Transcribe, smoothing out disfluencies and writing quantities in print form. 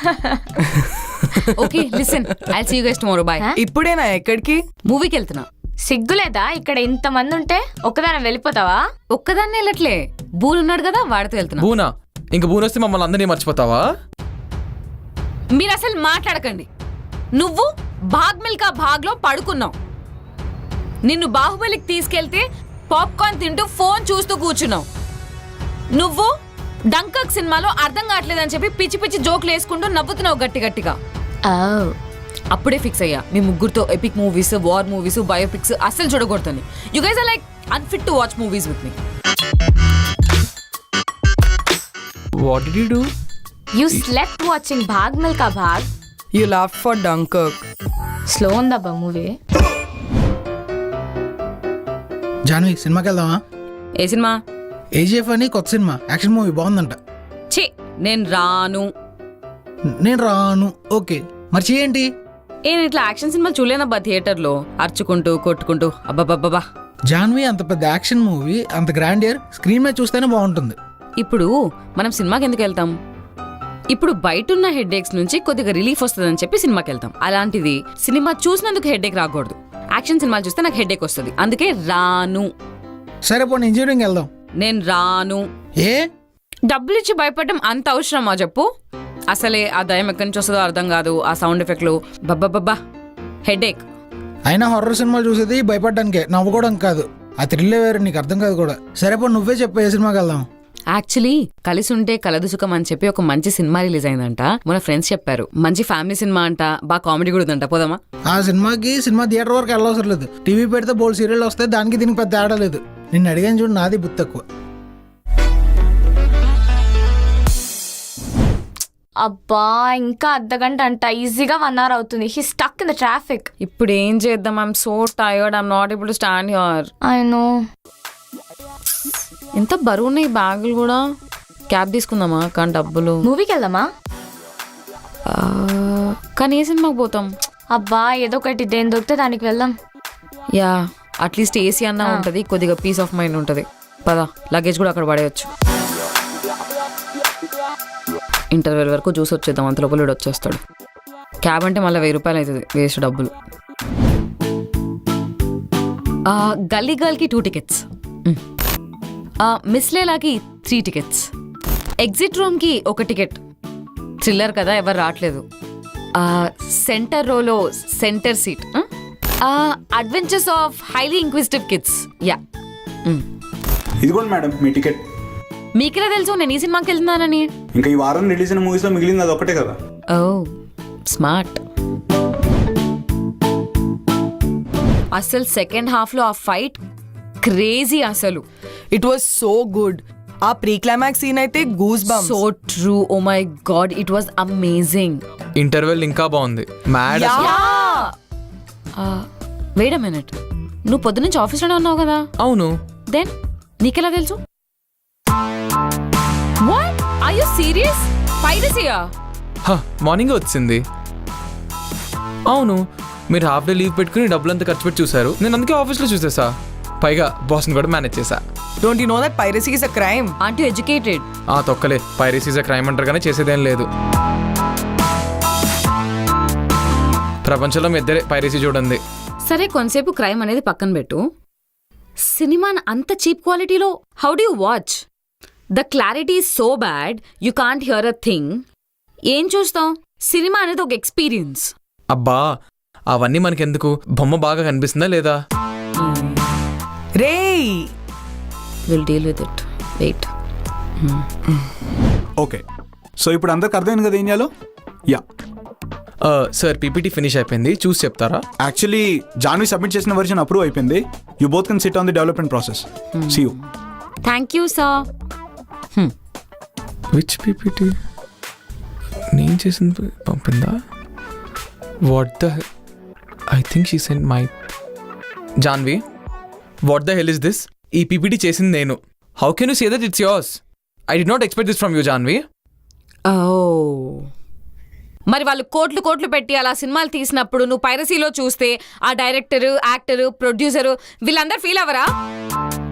Okay listen I see you guys tomorrow bye. ఇప్పుడేనా ఎక్కడికి? మూవీకి వెళ్తున్నా. సిగ్గులేదా ఇక్కడ ఇంతమంది ఉంటే ఒక్కదాని వెళ్ళిపోతావా? ఒక్కదాన్ని వెళ్ళట్లే, బూన్ ఉన్నాడు కదా వాడితో వెళ్తున్నా. బూనా? ఇంక బూన్ వస్తే మమ్మల్ని అందరినీ మర్చిపోతావా? మీరు అసలు మాట్లాడకండి. నువ్వు భాగ్ మిల్కా భాగ్ లో పడుకున్నావు. నిన్ను బాహుబలికి తీసుకెళ్తే పాప్కార్న్ తింటూ ఫోన్ చూస్తూ కూర్చున్నావు. నువ్వు డంకక్ సినిమాలో అర్థం కావట్లేదని చెప్పి పిచ్చి పిచ్చి జోకులు వేసుకుంటూ నవ్వుతున్నావు గట్టి గట్టిగా. అప్పుడే ఫిక్స్ అయ్యా మీ ముగ్గురుతో epic movies, war movies, biopics అస్సలు చూడకూడదని. You guys are like unfit to watch movies with me. What did you do? You slept watching Bhaag Milkha Bhaag. You laughed for Dunkirk. Slow ఉందబ్బా మూవీ. జాన్వి సినిమాకి వెళ్దామా? ఏ సినిమా? ఏజీఎఫ్ అని కొత్త సినిమా, యాక్షన్ మూవీ బాగుందంట. ఛీ నేను రాను. నేను రాను. ఓకే మరి చేయండి. నేను ఇట్లా యాక్షన్ సినిమాలు చూడలేనబ్బా థియేటర్లో అరుచుకుంటూ కొట్టుకుంటూ. అబ్బాబ్బాబ్బా. జాన్వి అంత పెద్ద యాక్షన్ మూవీ, అంత గ్రాండియర్ స్క్రీన్ మీద చూస్తేనే బాగుంటుంది. ఇప్పుడు మనం సినిమాకి ఎందుకు వెళ్తాం? ఇప్పుడు బయట ఉన్న హెడ్ఏక్స్ నుంచి కొద్దిగా రిలీఫ్ వస్తుందని చెప్పి సినిమాకి వెళ్తాం. అలాంటిది సినిమా చూసినందుకు హెడ్ఏక్ రాకూడదు. యాక్షన్ సినిమాలు చూస్తే నాకు హెడ్ఏక్ వస్తుంది, అందుకే రాను. సరే పోనీ ఇంజనీరింగ్ వెళ్దాం. నేను రాను. ఏ డబ్బులు ఇచ్చి భయపడడం అంత అవసరమా చెప్పు? అసలే ఆ దయం ఎక్కడి నుంచి వస్తుందో అర్థం కాదు, ఆ సౌండ్ ఎఫెక్ట్లు బబ్బబ్బబ్బా హెడేక్. అయినా హారర్ సినిమాలు చూసేది భయపడడానికే, నవ్వుకోవడం కాదు. ఆ థ్రిల్లే వేరు, నీకు అర్థం కాదు కూడా. సరే పో నువ్వే చెప్పు ఏ సినిమాకి వెళ్దాం. యాక్చువల్లీ కలిసి ఉంటే కలదు సుఖం అని చెప్పి ఒక మంచి సినిమా రిలీజ్ అయిందంట. మన ఫ్రెండ్స్ చెప్పారు మంచి ఫ్యామిలీ సినిమా అంట, బాగా కామెడీ కూడా ఉందంట. పోదామా? ఆ సినిమాకి సినిమా థియేటర్ వరకు వెళ్ళవసరం లేదు. టీవీ పెడితే బోల్డ్ సీరియల్ వస్తాయి, దానికి దీనికి పెద్ద తేడా లేదు. నిన్ను అడిగాను చూడు, నాది బుద్ధి తక్కువ. అబ్బా ఇంకా అర్ధగంట అంట, ఈజీగా 1 hour అవుతుంది. He stuck in the traffic. ఇప్పుడు ఏం చేద్దాం? I'm so tired, I'm not able to stand here. I know. ఎంత బరువు ఉన్నాయి బ్యాగులు కూడా. క్యాబ్ తీసుకుందామా? కానీ డబ్బులు. మూవీకి వెళ్దామా? కానీ ఏ సినిమాకి పోతాం? అబ్బా ఏదో ఒకటి, దేని దొరికితే దానికి వెళ్దాం. యా అట్లీస్ట్ ఏసీ అన్నా ఉంటుంది, కొద్దిగా పీస్ ఆఫ్ మైండ్ ఉంటుంది. పదా లగేజ్ కూడా అక్కడ పడేయచ్చు. ఇంటర్వెల్ వరకు చూసి వచ్చేద్దాం, అంత లోపల వచ్చేస్తాడు. క్యాబ్ అంటే మళ్ళీ 1000 రూపాయలు అవుతుంది, వేస్ట్ డబ్బులు. గల్లీ గర్ల్కి 2 tickets, మిస్ లేలాకి 3 tickets, ఎగ్జిట్ రూమ్కి 1 ticket. థ్రిల్లర్ కదా, ఎవరు రావట్లేదు. సెంటర్ రోలో centre seat. Adventures of highly inquisitive kids. Yeah ఇదిగోండి మేడం మీ టికెట్. మీకెలా తెలుసు నేను ఈ సినిమాకి వెళ్తున్నానని? ఇంకా ఈ వారం రిలీజ్ అయిన మూవీస్ లో మిగిలింది అది ఒకటే కదా. Oh smart. అసలు సెకండ్ హాఫ్ లో ఆ ఫైట్ క్రేజీ. అసలు ఇట్ వాస్ సో గుడ్. ఆ ప్రీ క్లైమాక్స్ సీన్ అయితే goose bumps. So true. Oh my god, it was amazing. Interval ఇంకా బాగుంది. మ్యాడ్. వెయిట్ అ మినిట్, నువ్వు పొద్దునుంచి ఆఫీస్లోనే ఉన్నావు కదా? అవును. దెన్ నీకెలా తెలుసు? What are you serious? పైరసీయా? మార్నింగ్ వచ్చింది. అవును, మీరు హాఫ్ డే లీవ్ పెట్టుకుని డబ్బులంతా ఖర్చు పెట్టి చూసారు. నేను అందుకే ఆఫీస్లో చూసేసా. పైగా బాస్ని కూడా మేనేజ్ చేశా. Don't you know that piracy is a crime? Aunty educated. తొక్కలే, పైరసీ ఇస్ అ క్రైమ్ అంటారు కానీ చేసేదేం లేదు. ప్రపంచంలో మీ ఇద్దరే పైరసీ చూడండి. సరే కొంతసేపు క్రైమ్ అనేది పక్కన పెట్టు. సినిమాని అంత చీప్ క్వాలిటీలో how do you watch? The clarity is so bad, you can't hear a thing. ఏం చూస్తాం? సినిమా అనేది ఒక ఎక్స్పీరియన్స్. అబ్బా అవన్నీ మనకెందుకు, బొమ్మ బాగా కనిపిస్తుందా లేదా? రేయ్ will deal with it, wait. Okay, so ఇప్పుడు అందరికి అర్థమైంది కదా ఏం చేయాలో? యా సార్ పీపీటీ ఫినిష్ అయిపోయింది, చూసి చెప్తారా? యాక్చువల్లీ జాన్వి సబ్మిట్ చేసిన వర్షన్ అప్రూవ్ అయిపోయింది. You both can sit on the development process. See you. Thank you sir. Which PPT? నేను చేసింది పంపిందా? What the, I think she send my. Janvi, what the hell is this? ఈ PPT చేసింది నేను. How can you say that it's yours? I did not expect this from you Janvi. మరి వాళ్ళు కోట్లు కోట్లు పెట్టి అలా సినిమాలు తీసినప్పుడు నువ్వు పైరసీలో చూస్తే ఆ డైరెక్టరు, యాక్టరు, ప్రొడ్యూసరు వీళ్ళందరూ ఫీల్ అవ్వరా?